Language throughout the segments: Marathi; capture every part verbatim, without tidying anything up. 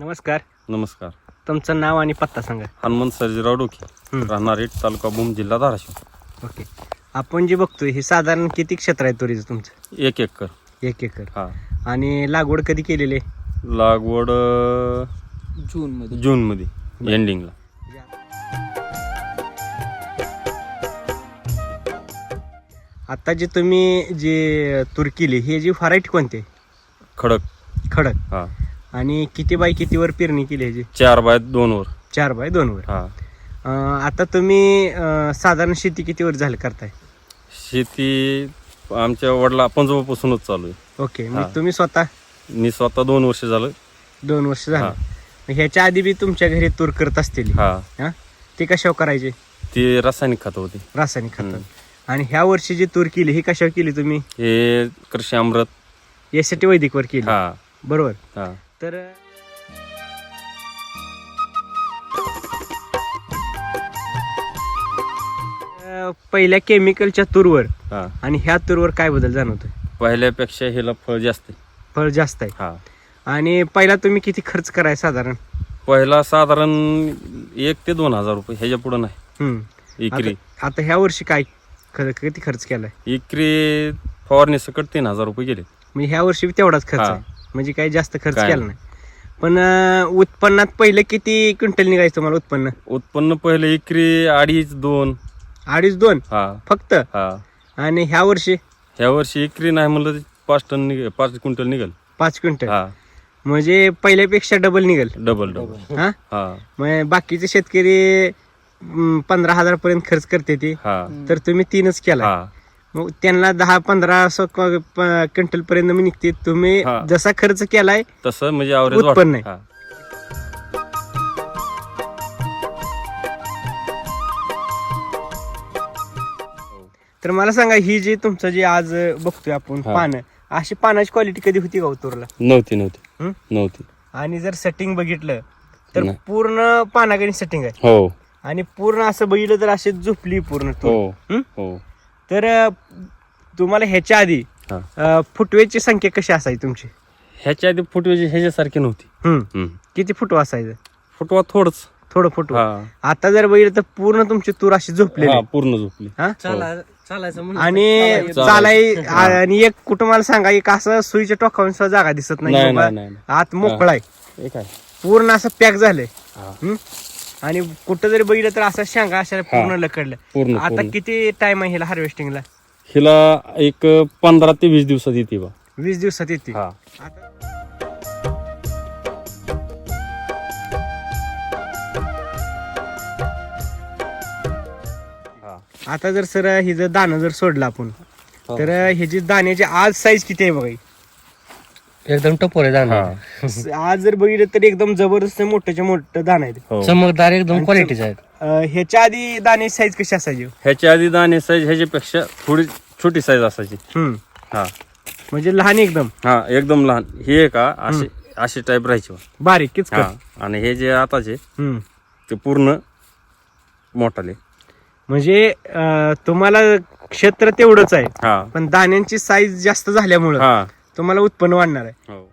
नमस्कार. नमस्कार. तुमचं नाव आणि पत्ता सांगा. हनुमंत सर्जीराव डोके, हं. राहणार इट, तालुका भूम, जिल्हा धाराशिव. ओके. आपण जे बघतोय हे साधारण किती क्षेत्र आहे तुरीचं तुमचं? एक एकर. एक एकर. हा. आणि लागवड कधी केलेली आहे? लागवड जून मध्ये. जून मध्ये एंडिंगला. आता जे तुम्ही जे तूर केली हे जी व्हरायटी कोणती? खडक. खडक. हा. आणि किती बाय कितीवर पेरणी केली ह्याची? चार बाय दोन वर. चार बाय दोन वर. हा. अं, आता तुम्ही अं, साधारण शेती किती वर झालं करताय? शेती आमच्या वडिला पंजोबापासूनच चालू आहे. ओके. हा. मग तुम्ही स्वतः? मी स्वतः दोन वर्ष झालं. दोन वर्ष झालं. हा. मग ह्याच्या आधी बी तुमच्या घरी तूर करत असतील? हा. हा. ते कशावर करायचे? ती रासायनिक खत होती. रासायनिक खत. हम्म. आणि ह्या वर्षी जी तूर केली ही कशावर केली तुम्ही? हे कृषी अमृत यासाठी वैदिकवर केली. हा. बरोबर. हा. तर अं, पहिल्या केमिकलच्या तूरवर हा. आणि ह्या तूरवर काय बदल जाणवतोय? पहिल्यापेक्षा ह्याला फळ जास्त आहे. फळ जास्त आहे. हा. आणि पहिला तुम्ही किती खर्च कराय साधारण? पहिला साधारण एक ते दोन हजार रुपये, ह्याच्या पुढे नाही. हम्म. इकरी आता आता ह्या वर्षी काय ख- किती खर्च केलाय? इकरी फवारणी सकट तीन हजार रुपये गेले. म्हणजे ह्या वर्षी बी तेवढाच खर्च हा. आहे, म्हणजे काही जास्त खर्च काय केला नाही. पण अं, उत्पन्नात पहिलं किती क्विंटल निघायचं तुम्हाला उत्पन्न? उत्पन्न पहिले इकरी अडीच दोन. अडीच दोन हा. फक्त? हा. आणि ह्या वर्षी ह्या वर्षी इकरी नाही म्हणलं तर पाच टन निघेल, पाच क्विंटल निघेल. पाच क्विंटल. हा. म्हणजे पहिल्यापेक्षा डबल निघेल. Double double. हा. हा. मग बाकीचे शेतकरी अं, पंधरा हजार पर्यंत खर्च करते ते, हा. तर तुम्ही तीनच केला. हा. मग त्यांना दहा पंधरा असं क- प- क्विंटल पर्यंत मी निघते. तुम्ही हा. जसा खर्च केलाय तसं म्हणजे ॲव्हरेज उत्पन्न आहे. हा. तर मला सांगा, ही जी तुमचं जे आज बघतोय आपण हा. पानं, अशी पानाची क्वालिटी कधी होती का उतरला? नव्हती नव्हती हं? नव्हती. आणि जर सेटिंग बघितलं तर नाही. पूर्ण पानागणी सेटिंग आहे. हो आणि पूर्ण असं बघितलं तर अशी झोपली पूर्ण तूर. हो हं? हो. तर अं, तुम्हाला ह्याच्या आधी हा. अं, फुटवेची संख्या कशी असायची तुमची? ह्याच्या आधी फुटवेची ह्याच्यासारखी नव्हती. हं. हं. किती फुटवा असायचं? फुटवा थोडंच. थोडं फुटवा. हा. आता जर बघितलं तर पूर्ण तुमची तूर अशी झोपलेली हा, आहे. पूर्ण झोपली. हा? चालायचं म्हणलं आणि चालायचं. चालाय आणि एक कुटुंबाला सांगा, एक असं सुईच्या टोकावून सुद्धा जागा दिसत नाही. नाही बाबा, नाही नाही आत मोकळा आहे, हे काय. पूर्ण असं पॅक झालंय. हा. हं? आणि कुठं जरी बघितलं तर असं शेंगा अशा पूर्ण लकडल्या. पूर्ण आता पूर्ण. किती टाइम आहे ह्याला हार्वेस्टिंगला? हिला एक पंधरा ते वीस दिवसात येते बा. वीस दिवसात येते. हा. आता- हा. आता जर सर हे जर दाणं जर सोडलं आपण, हा. तर ह्याची दाण्याची आज साईज किती आहे बघा? एकदम टपोर आहे दाणा. हा. आज जर बघितलं तर एकदम जबरदस्त मोठ्याच्या मोठं दाणं आहे. हो. चमकदार एकदम आणि क्वालिटीचे आहेत. अं, ह्याच्या आधी दाण्याची साईज कशी असायची? ह्याच्या आधी दाणे साईज ह्याच्यापेक्षा थोडी छोटी साईज असायची. हम्म. हा. म्हणजे लहान एकदम हा, एकदम लहान. हे का असे असे टाईप राहायचे बा. बारीक किच हा. आणि हे जे आताचे हम्म. ते पूर्ण मोठाले. म्हणजे अं, तुम्हाला क्षेत्र तेवढंच आहे, हा. पण दाण्यांची साईज जास्त झाल्यामुळं हा. तुम्हाला उत्पन्न वाढणार आहे. हो.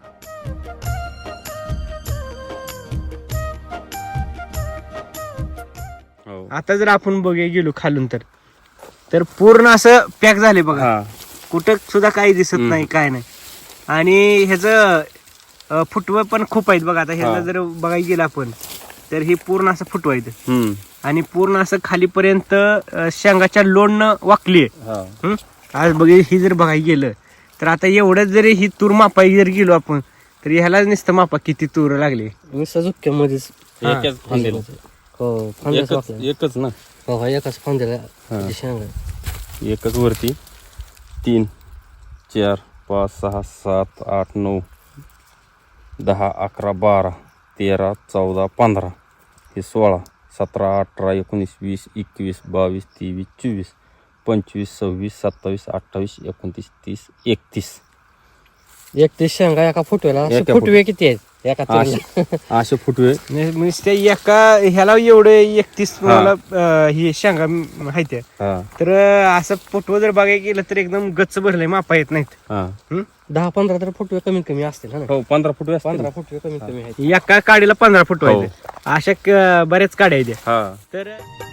हो. आता जर आपण बघायला गेलो खालून तर तर पूर्ण असं पॅक झाले बघा. हा. कुठं सुद्धा काही दिसत हम्म. नाही, काय नाही. आणि ह्याचं फुटवं पण खूप आहेत बघा. आता ह्याला हा. जर बघायला गेलं आपण तर हे पूर्ण असं फुटवं आहेत. हम्म. आणि पूर्ण असं खालीपर्यंत अं, शेंगाच्या लोणनं वाकली आहे. हा. हं? आज बघे ही जर बघायला गेलं तर आता एवढंच जरी ही तूर मापायला जर गेलो आपण तर ह्याला नुसतं मापा किती तूर लागली. नुसतं झुक्क्यामध्येच. हा. एकच फांदीला. हो फांद्याच एकच वाकलं. एकच ना. हो हो एकाच फांद्याला हा. ते शेंगा. एकच वरती तीन चार पाच सहा सात आठ नऊ दहा अकरा बारा तेरा चौदा पंधरा हे सोळा सतरा अठरा एकोणीस वीस एकवीस बावीस तेवीस चोवीस पंचवीस सव्वीस सत्तावीस अठ्ठावीस एकोणतीस तीस एकतीस. एक ते शेंगा एका फुटवेला असे एका फुटवे किती आहेत एका असे तुरीला? असे फुटवे. नुसते एका ह्याला एवढे एकतीस मला अं, ही शेंगा माहिती आहे. हा. तर अं, असं फुटवं जर बघायला गेलं तर एकदम गच्च भरलंय, मापा येत नाहीत. हा. हं? दहा पंधरा तर फुटवे कमीत कमी असतील हा ना हो पंधरा फुट असतील. पंधरा फुटवे कमीत कमी आहेत एका काडीला पंधरा फूट हो. व्हायचे अशा क- बऱ्याच काड्या आहेत हा तर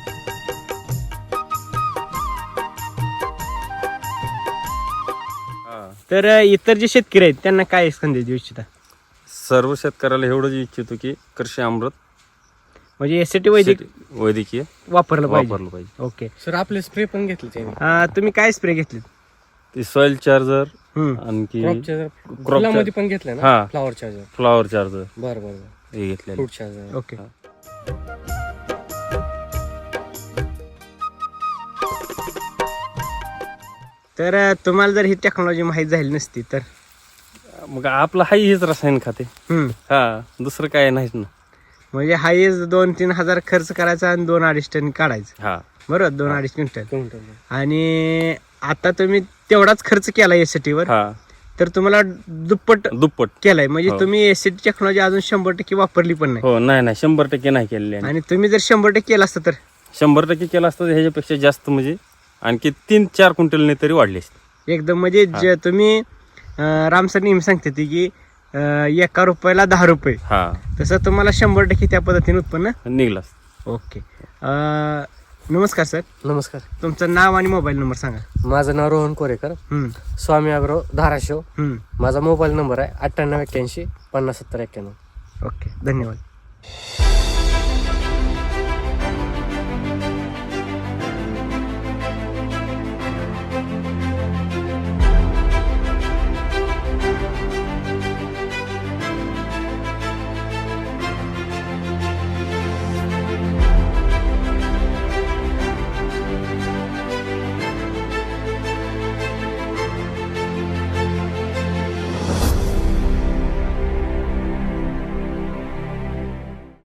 हा तर इतर जे शेतकरी आहेत त्यांना काय संदेश देऊ इच्छिता सर्व शेतकऱ्याला एवढंच इच्छितो की कृषी अमृत म्हणजे एसटी वैदिक शेती- वैद्यकीय वापरलं पाहिजे वापरलं पाहिजे. ओके सर आपले स्प्रे पण घेतले त्यांनी अं, तुम्ही काय स्प्रे घेतलेत ती सॉइल चार्जर हम्म. आणखी क्रॉप चार्जर फुलामध्ये पण घेतलं ना हा. फ्लावर चार्जर फ्लॉवर चार्जर बरं बरं बरं हे घेतलेलं. फ्रूट चार्जर ओके हा. तर अं, तुम्हाला जर ही टेक्नॉलॉजी माहीत झाली नसती तर मग आपलं हाही हेच रसायन खाते हम्म. हा दुसरं काय नाहीच ना. म्हणजे हायच दोन तीन हजार खर्च करायचा आणि दोन अडीच टन काढायचं हा बरोबर दोन अडीच क्विंटल क्विंटल. आणि आता तुम्ही तेवढाच खर्च केला एसटी वर हा तर तुम्हाला दुप्पट दुप्पट केलाय म्हणजे हो. तुम्ही एसटी टेक्नॉलॉजी अजून शंभर टक्के वापरली पण नाही हो नाही नाही शंभर टक्के नाही केलेले आहे. आणि तुम्ही जर शंभर टक्के केलं असतं तर शंभर टक्के केलं असतं तर ह्याच्यापेक्षा जास्त म्हणजे आणखी तीन चार क्विंटलने तरी वाढले असते. एकदम म्हणजे जे तुम्ही अं, राम सर नेहमी सांगते ती की अं, एका रुपयाला दहा रुपये हा तसं तुम्हाला शंभर टक्के त्या पद्धतीने उत्पन्न निघला असतं. ओके अं, नमस्कार सर नमस्कार तुमचं नाव आणि मोबाईल नंबर सांगा माझं नाव रोहन कोरेकर हम्म, स्वामी अग्रो धाराशिव हम्म. माझा मोबाईल नंबर आहे अठ्ठ्याण्णव एक्क्याऐंशी पन्नास सत्तर एक्क्याण्णव ओके धन्यवाद